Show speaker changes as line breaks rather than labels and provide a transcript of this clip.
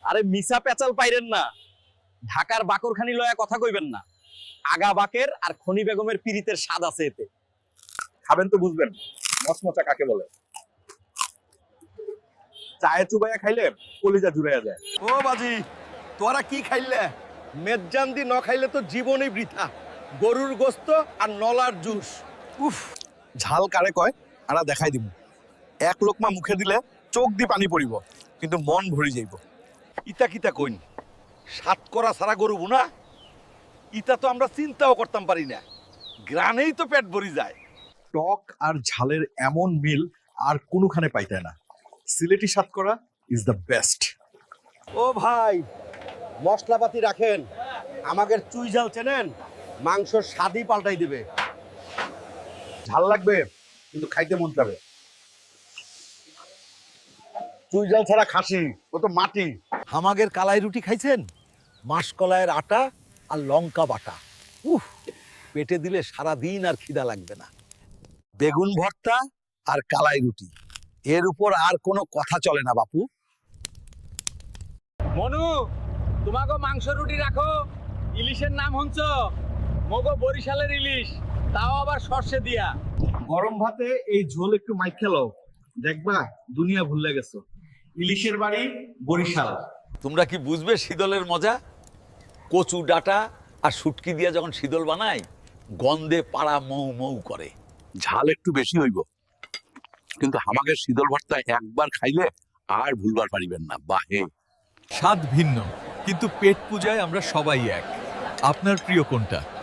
আরে মিসা পেঁচাল পাইরেন না, ঢাকার বাকরখানি লয়া কথা কইবেন না। আগা বাকের আর খনি বেগমের পিরিতের স্বাদ আছে এতে।
খাবেন তো বুঝবেন মচমচা কাকে বলে। চায়ে চুবাইয়া খাইলে কলিজা জুড়াইয়া যায়।
ও বাজি, তোরা কি খাইলে? মেজ্জান্দি ন খাইলে তো জীবনই বৃথা। গরুর গোস্ত আর নলার জুস।
উফ, ঝাল কারে কয় আরা দেখাই দিব। এক লোকমা মুখে দিলে চোখ দি পানি পড়িব, কিন্তু মন ভরি যাইব।
ইতা কিতা কইন, সাত করা সারা গরু বুনা? ইতা তো আমরা চিন্তাও করতাম পারি না। গ্রানেই তো পেট ভরি যায়।
টক আর ঝালের এমন মিল আর কোনোখানে পাইতে না। Sylheti satkora is the best.
ও ভাই, মশলাপাতি রাখেন। আমাদের চুই ঝাল চেনেন? মাংসর স্বাদই পাল্টাই দিবে।
ঝাল লাগবে কিন্তু খাইতে মন যাবে।
চুই ঝাল ছাড়া খাসি, ও তো মাটি। আমাদের কালাই রুটি খাইছেন? মাসকলাইয়ের আটা আর লঙ্কা বাটা। উফ, পেটে দিলে সারা দিন আর খিদা লাগবে না। বেগুন ভর্তা আর কালাই রুটি, এর উপর আর কোনো কথা চলে না বাপু।
মনু, তোমাকে মাংস রুটি রাখো। ইলিশের নাম শুনছ? মগো বরিশালের ইলিশ, তাও আবার সর্ষে দিয়া।
গরম ভাতে এই ঝোল একটু মাইক খেলো, দেখবা দুনিয়া ভুলে গেছো। ইলিশের বাড়ি বরিশাল।
তোমরা কি বুঝবে শীতলের মজা? কচু ডাটা আর শুটকি দিয়ে যখন শীতল বানায়, গন্ধে পাড়া মৌ মৌ করে।
ঝাল একটু বেশি হইব, কিন্তু আমাকে শীতল ভর্তা একবার খাইলে আর ভুলবার পারিবেন না। বাহে,
স্বাদ ভিন্ন, কিন্তু পেট পূজায় আমরা সবাই এক। আপনার প্রিয় কোনটা?